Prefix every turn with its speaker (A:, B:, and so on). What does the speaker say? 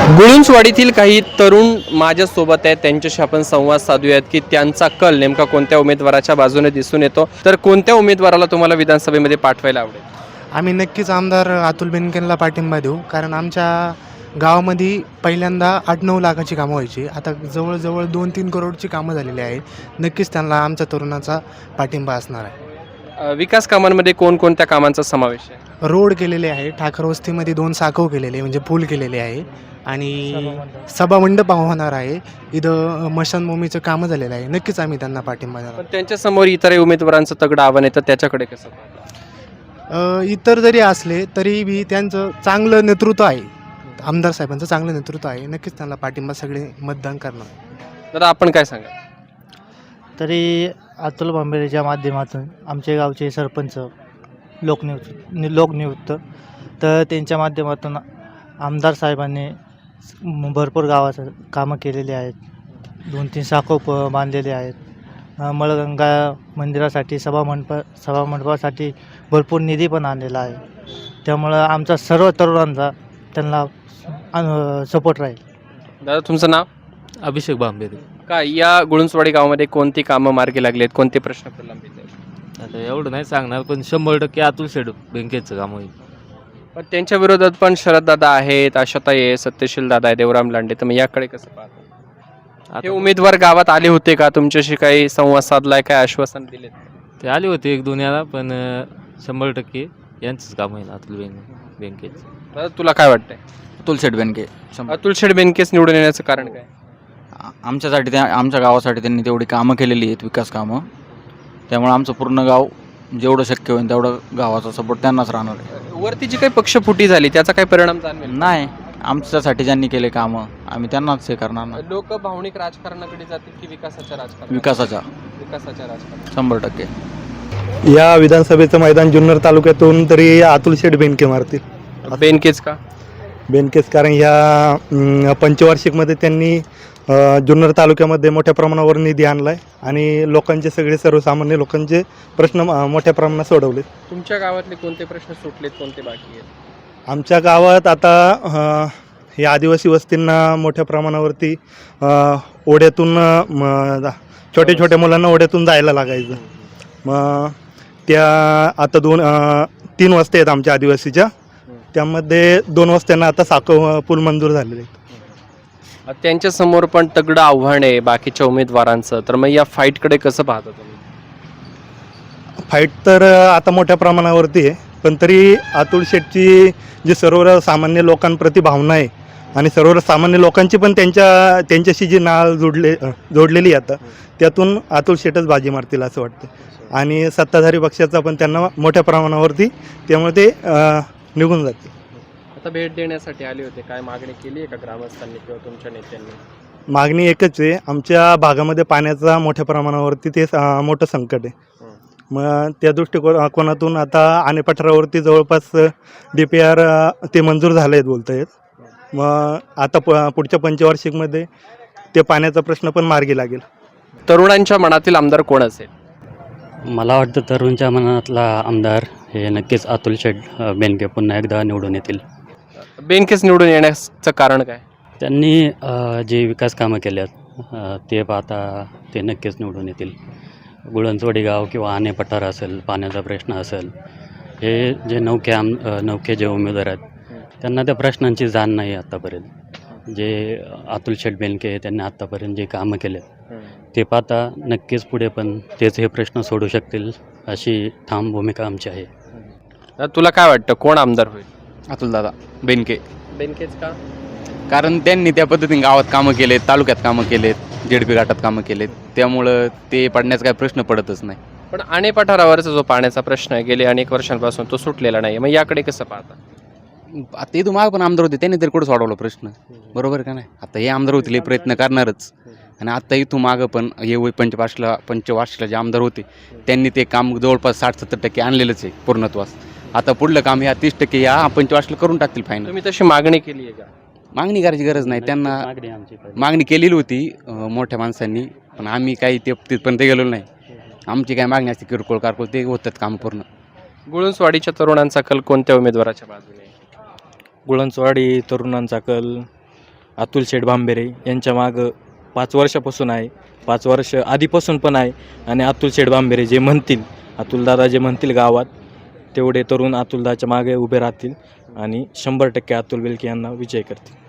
A: गुळुंचवाडीतील काही तरुण माझ्यासोबत आहेत, त्यांच्याशी आपण संवाद साधूयात की त्यांचा कल नेमका कोणत्या उमेदवाराच्या बाजूने दिसून येतो. तर कोणत्या उमेदवाराला तुम्हाला विधानसभेमध्ये पाठवायला आवडेल?
B: आम्ही नक्कीच आमदार अतुल बेनकेंना पाठिंबा देऊ, कारण आमच्या गावामध्ये पहिल्यांदा 8-9 लाखाची कामं व्हायची. आता जवळजवळ 2-3 करोडची कामं झालेली आहेत. नक्कीच त्यांना आमच्या तरुणाचा पाठिंबा असणार आहे.
A: विकास कामांमध्ये कोणकोणत्या कामांचा समावेश आहे?
B: रोड केलेले आहे, ठाकर वस्तीमध्ये 2 साकव केलेले म्हणजे पूल केलेले आहे आणि सभामंडप होणार आहे. इथं मशानभूमीचं कामं झालेलं आहे. नक्कीच आम्ही त्यांना पाठिंबा देणार.
A: पण त्यांच्यासमोर इतर उमेदवारांचं तगडं आव्हान येतं, त्याच्याकडे कसं पाहता?
B: इतर जरी असले तरी बी त्यांचं चांगलं नेतृत्व आहे. आमदार साहेबांचं चांगलं नेतृत्व आहे. नक्कीच त्यांना पाठिंबा सगळे मतदान करणार.
A: दादा, आपण काय सांगा?
C: तरी अतुल भांबेरेच्या माध्यमातून आमचे गावचे सरपंच लोकनियुक्त तर त्यांच्या माध्यमातून आमदार साहेबांनी भरपूर गावाचं कामं केलेली आहेत. 2-3 साकोप बांधलेले आहेत. मळगंगा मंदिरासाठी सभामंडपासाठी भरपूर निधी पण आणलेला आहे. त्यामुळं आमचा सर्व तरुणांचा त्यांना सपोर्ट राहील.
A: दादा, तुमचं नाव?
D: अभिषेक भांबेरे.
A: काय या गुळुंचवाडी गावामध्ये कोणती कामं मार्गी लागली आहेत, कोणते प्रश्न प्रलंबित आहेत?
D: आता एवढं नाही सांगणार, पण 100% अतुल शेड बँकेचं काम होईल.
A: पण त्यांच्या विरोधात पण शरददादा आहेत, आशाताई आहे, सत्यशील दादा आहे, देवराम लांडे. तर मग याकडे कसं पाहता? हे
D: आता
A: उमेदवार गावात आले होते का? तुमच्याशी काही संवाद साधलाय, काय आश्वासन दिले?
D: ते आले होते 1-2 याला, पण 100% यांचंच काम होईल अतुल बँकेचं.
A: दादा, तुला काय वाटतंय?
E: अतुल शेट बेनके
A: अतुल शेठ बेनकेस निवडून येण्याचं कारण काय?
E: आमच्यासाठी आमच्या गावासाठी त्यांनी तेवढी कामं केलेली आहेत, विकास कामं. त्यामुळे आमचं पूर्ण गाव जेवढं शक्य होईल तेवढं गावाचा सपोर्ट त्यांनाच राहणार आहे.
A: वरती जी काही पक्षफुटी झाली त्याचा काय परिणाम जाणवेल?
E: नाही, आमच्यासाठी ज्यांनी केले कामं आम्ही त्यांनाच हे करणार ना.
A: लोक भावनिक राजकारणाकडे जातील की विकासाच्या राजकारण?
E: विकासाच्या
A: राजकारण.
E: 100%.
F: या विधानसभेचं मैदान जुन्नर तालुक्यातून तरी अतुल शेठ बेनके मारतील.
A: बेनकेच का?
F: बेनकेच कारण ह्या पंचवार्षिकमध्ये त्यांनी जुन्नर तालुक्यामध्ये मोठ्या प्रमाणावर निधी आणला आहे आणि लोकांचे सर्वसामान्य लोकांचे प्रश्न मोठ्या प्रमाणात सोडवले.
A: तुमच्या गावातले कोणते प्रश्न सुटलेत, कोणते बाकी आहेत?
F: आमच्या गावात आता या आदिवासी वस्तींना मोठ्या प्रमाणावरती ओढ्यातून छोट्या छोट्या मुलांना ओढ्यातून जायला लागायचं. मग त्या आता 3 वस्त्या आहेत आमच्या आदिवासीच्या. त्यामध्ये 2 वस्त्यांना आता साखव पूल मंजूर झालेले आहेत.
A: त्यांच्या समोर पण तगडं आव्हान आहे बाकीच्या उमेदवारांचं. तर मग या फाईटकडे कसं पाहता तुम्ही?
F: फाईट तर आता मोठ्या प्रमाणावरती आहे, पण तरी अतुल शेठची जी सर्वसामान्य लोकांप्रती भावना आहे आणि सर्वसामान्य लोकांची पण त्यांच्याशी जी नाळ जोडलेली आहे आता, त्यातून अतुल शेठच बाजी मारतील असं वाटतं. आणि सत्ताधारी पक्षाचा पण त्यांना मोठ्या प्रमाणावरती, त्यामुळे ते निघून जाते.
A: आता भेट देण्यासाठी आले होते, काय मागणी केली आहे का ग्रामस्थांनी किंवा तुमच्या नेत्यांनी?
F: मागणी एकच आहे, आमच्या भागामध्ये पाण्याचा मोठ्या प्रमाणावरती ते मोठं संकट आहे. मग त्या दृष्टिकोनातून आता आनेपठारावरती जवळपास DPR ते मंजूर झाले आहेत बोलत आहेत. मग आता पुढच्या पंचवार्षिकमध्ये ते पाण्याचा प्रश्न पण मार्गी लागेल.
A: तरुणांच्या मनातील आमदार कोण असेल?
G: मला वाटतं तरुणच्या मनातला आमदार हे नक्कीच अतुल शेठ बेनके पुन्हा एकदा निवडून येतील.
A: बेनकेस निवडून येण्याचं कारण काय?
G: त्यांनी जे विकास कामं केल्यात ते पाहता ते नक्कीच निवडून येतील. गुळुंचवाडी गाव किंवा आने पठार असेल, पाण्याचा प्रश्न असेल, हे जे नौके जे उमेदवार आहेत त्यांना त्या प्रश्नांची जाण नाही आत्तापर्यंत. जे अतुल शेठ बेनके त्यांनी आत्तापर्यंत जे कामं केलेत ते पाहता नक्कीच पुढे पण तेच हे प्रश्न सोडू शकतील अशी ठाम भूमिका आमची आहे.
A: तुला काय वाटतं कोण आमदार होईल?
E: अतुलदादा बेनके.
A: बेनकेच का?
E: कारण त्यांनी त्या पद्धतीने गावात कामं केलेत, तालुक्यात कामं केलेत, JDP घाटात कामं केलेत. त्यामुळं ते पडण्याचा काही प्रश्न पडतच नाही.
A: पण आणे पठारावरचा जो पाण्याचा प्रश्न आहे गेले अनेक वर्षांपासून तो सुटलेला नाही. मग याकडे कसं पाहता?
E: आता इथून माग पण आमदार होते, त्यांनी तरी कुठं सोडवला प्रश्न? बरोबर का नाही? आता हे आमदार होतील, हे प्रयत्न करणारच. आणि आता इथून मागं पण हे पंचवार्षिकला जे आमदार होते त्यांनी ते काम जवळपास 60-70% आणलेलंच आहे पूर्णत्वास. आता पुढलं काम ह्या 30% या पंचवार्षिकला करून टाकतील फायनल.
A: तुम्ही तशी मागणी केली आहे का?
E: मागणी करायची गरज नाही, त्यांना मागणी केलेली होती मोठ्या माणसांनी, पण आम्ही काही तिथपर्यंत गेलो नाही. आमची काय मागणी असते किरकोळ कारकोळ ते होतात काम पूर्ण.
A: गुळुंचवाडीच्या तरुणांचा कल कोणत्या उमेदवाराच्या बाजूने?
H: गुळुंचवाडी तरुणांचा कल अतुल शेठ भांबेरे यांच्या मागं 5 वर्षापासून आहे, 5 वर्ष आधीपासून पण आहे. आणि अतुल शेठ भांबेरे जे म्हणतील, अतुलदादा जे म्हणतील गावात, तेवढे तरुण अतुलदाच्या मागे उभे राहतील आणि 100% अतुल बेलके यांना विजय करतील.